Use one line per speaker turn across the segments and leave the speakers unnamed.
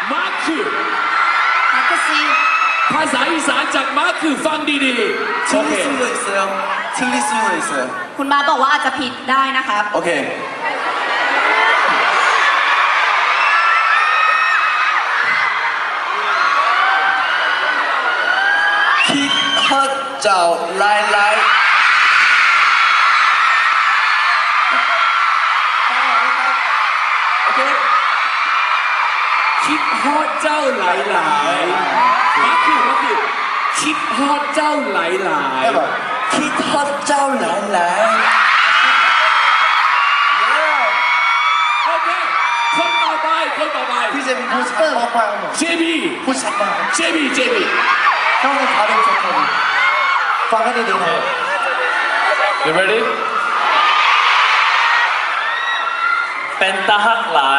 มาร์คคือ
마크씨
ภาษาอีสานจากมาร์คคือฟังดีๆโอเค
틀릴 수도 있어요. 틀릴 수도 있어요.
คุณมาบอกว่าอาจจะผิดได้นะครับ
오케이. 킷헛자오 라이라이. 오케이.
คิดฮอดเจ้าหลายๆมาร์คคือคิดฮอดเจ้าหลาย
해봐. 킷헛자오 라이라이.
ๆโอเคคนต่อไป
피제비 후샷 빡빡.
เจบี
후샷 빡.
เจบี
형은 발음 좋다고. 빠가리 되나?
You ready
เป็นตาหักหลาย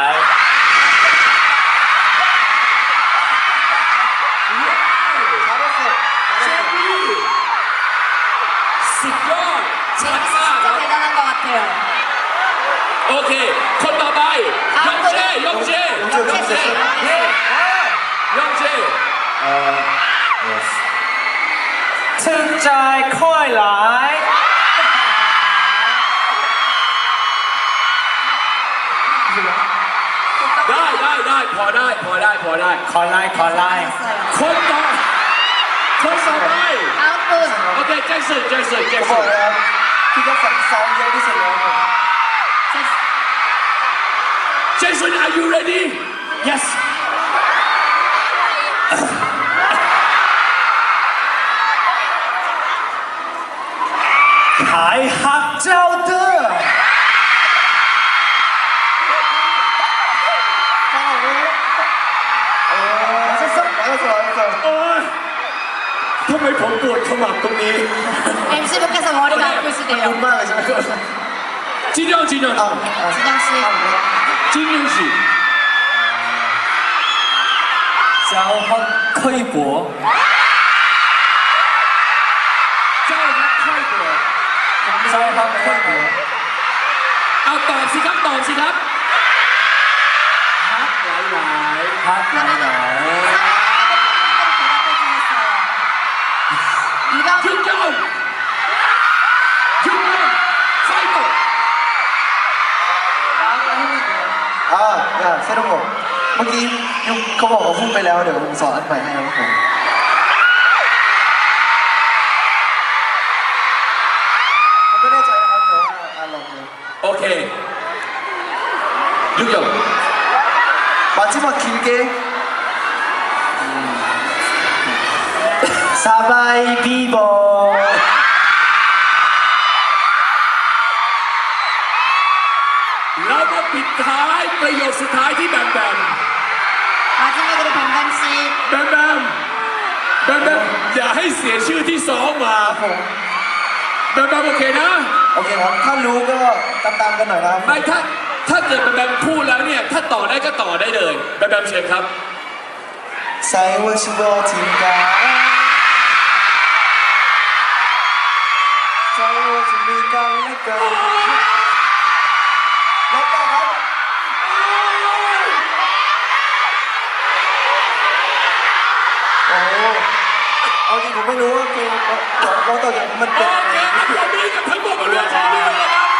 잘했어.
เจบีสุดยอดชัดมากค
진짜
รับ
대단한 것 같아요.
โอเคคนต่อไปยองเจ
영재 씨.
ยองเจ
ถึงใจค่อยหลาย
ได้พอได้
ขอไล่
คนต่อไป
다음 분
โอเคแจ็คสัน
뭐야? 피자상 사운드 어디서요?
แจ็คสัน are you ready
yes ขายหักเจ้าเด้อ
맞았어.
โอ๊ยทำไมผมปวดขมับตรงนี้
MC분께서 머리가 아프시대요.
눈망이 지금.
จินยอง
진영 씨.
จินยองสิ
เจ้าฮักค่อยบัว
เจ้านักค่อยตัว
เจ้าฮักค่อยบัว
เอาตอบสิครับฮักหลาย
ฮักหลายหลาย
이번
ๆยุนยองไฟโต
아, 야, 새로운 거. มื่อกี้ยุคเขาบอกว่าพูดไปแล้วเดี๋ยวผมสอนอันใหม่ให้ครับผม ผมไม่แน่ใจนะครับแต่ว่าลองดู
โอเคยุนยอง
마지막 길게 사바이 비버
แล้วมาปิดท้ายประโยคสุดท้ายที่แบม
마지막으로 뱀뱀 씨.
อย่าให้เสียชื่อที่สองมา
ผม
แบมโอเคนะ
โอเคครับถ้ารู้ก็ตามกันหน่อยนะครับ
ไม่ถ้าเกิดแบมพูดแล้วเนี่ยถ้าต่อได้ก็ต่อได้เลยแบมเชิญครับ
ใส่ว่าชิบอทิงกาใส่ว่าจะมีกันและกันแล้วต่อครับโอ้โหเอาจริงผมไม่รู้ว่าเพลงเราต่อจากมัน
โอ
เป็น
เคครับผมมีกับทั้งหมดเรื่องของเรื่องนะครับ